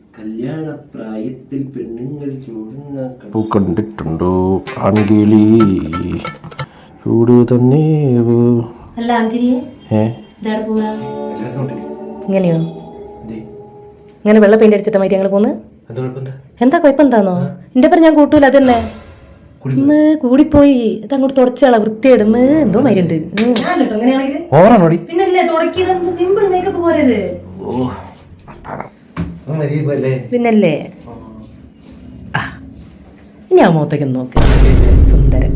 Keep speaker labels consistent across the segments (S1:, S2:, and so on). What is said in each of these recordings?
S1: കല്യാണപ്രായത്തിൽ പെണ്ണുങ്ങൾ ചൂടുന്ന
S2: കണ്ടിട്ടുണ്ടോ ആൺകിളി ചൂട് തന്നെ.
S3: അല്ല ആൺകിളിയെ ഇങ്ങനെയോ ഇങ്ങനെ വെള്ള പെയിന്റ് അടിച്ചിട്ട് മതി ഞങ്ങൾ പോന്ന്. എന്താ കുഴപ്പം എന്താന്നോ എന്റെ പേര് ഞാൻ കൂട്ടൂല. അതന്നെ കൂടിപ്പോയി ഇത് അങ്ങോട്ട് തുടച്ചാളാ വൃത്തിയായിടും എന്തോ മരുണ്ട് പിന്നല്ലേ. ഇനി ആ മുഖത്തേക്ക് നോക്ക് സുന്ദരൻ.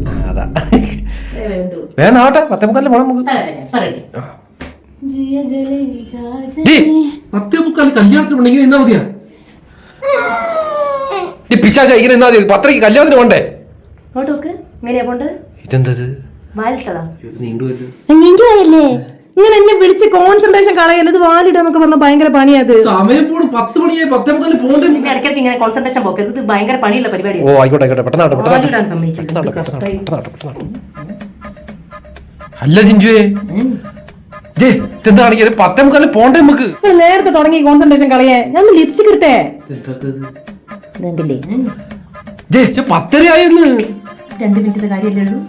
S2: കല്യാണത്തിന് പോണ്ടേ?
S3: ഇങ്ങനെ എന്നെ വിളിച്ച് കോൺസെൻട്രേഷൻ കളയുന്നത് വാലിടാന്നൊക്കെ പറഞ്ഞ ഭയങ്കര പണിയത്. ഇടയ്ക്കിടയ്ക്ക് ഇങ്ങനെ കോൺസെൻട്രേഷൻ പോക്കരുത്. ഇത് ഭയങ്കര പണിയുള്ള പരിപാടിയാണ്.
S2: ഓ ആയിക്കോട്ടെ ആയിക്കോട്ടെ അല്ല ജിഞ്ചുവേ പോണ്ടേ നമുക്ക്
S3: നേരത്തെ തുടങ്ങി കോൺസെൻട്രേഷൻ കളയാ. ഞാൻ ലിപ്സ്റ്റിക് ഇട്ടേ കണ്ടില്ലേ
S2: 10:30
S3: 2 മിനിറ്റത്തെ കാര്യമല്ലേ ഉള്ളൂ.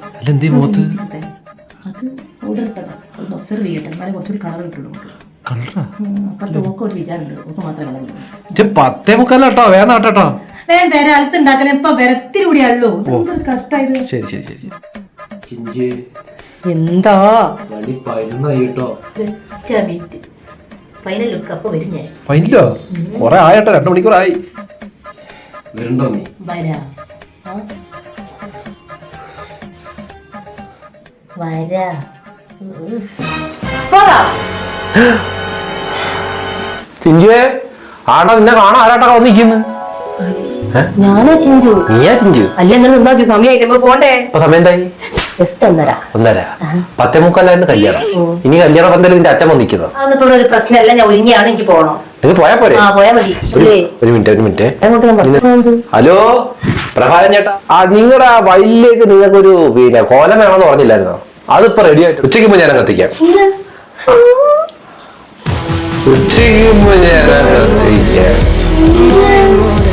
S3: അത് ഓർഡർ ഇട്ടതാ. ഒന്ന് ഒബ്സർവ് ചെയ്യട്ടെ. എന്നാലേ കുറച്ചുകൂടി കളർ കിട്ടുള്ളൂ. അപ്പുറത്ത് ഓക്ക് ഒരു വിചാരമുണ്ട്. ഓക്ക് മാത്രമേ കളർ
S2: വേട്ടോ.
S3: വേറെ അലസ് ഉണ്ടാക്കല ഇപ്പൊ വരത്തിരി കൂടിയാണല്ലോ. കഷ്ടായത്.
S2: ശരി ശരി ശരി.
S3: എന്താ
S1: ഫൈനൽ ലുക്ക് അപ്പൊ വരും ഞാൻ.
S2: ഫൈനലോ കൊറേ ആയിട്ടോ 2 മണിക്കൂറായി.
S1: വരണ്ടോ നീ?
S2: ചിഞ്ചുവേ ആടാ നിന്നെ കാണാൻ ആരാട്ടാ വന്നിരിക്കുന്നു?
S3: ഞാനാ ചിഞ്ചു.
S2: നീയാ ചിഞ്ചു?
S3: അല്ല എന്നാ സമയം പോണ്ടേ?
S2: സമയം എന്തായി?
S3: 1:30.
S2: 10:45 കല്യാണം. ഇനി കല്യാണം പന്തല് നിന്റെ അച്ഛൻ വന്നിരിക്കുന്നു.
S3: ഒരു പ്രശ്നമല്ല. ഞാൻ ഒരുങ്ങിയാണ്. എനിക്ക് പോകണം.
S2: നിങ്ങൾ പോയാ പോരെ? ഒരു മിനിറ്റ്. ഹലോ പ്രഭാകരൻ ചേട്ടാ, നിങ്ങളുടെ വയലിലേക്ക് നിങ്ങൾക്കൊരു കോലം വേണമെന്ന് പറഞ്ഞില്ലായിരുന്നോ? അതിപ്പോ റെഡി ആയിട്ട് ഉച്ചയ്ക്ക് മുമ്പ് ഞാൻ കത്തിക്കാം. ഉച്ചയ്ക്ക് മുമ്പ് ഞാൻ കത്തിക്കാം.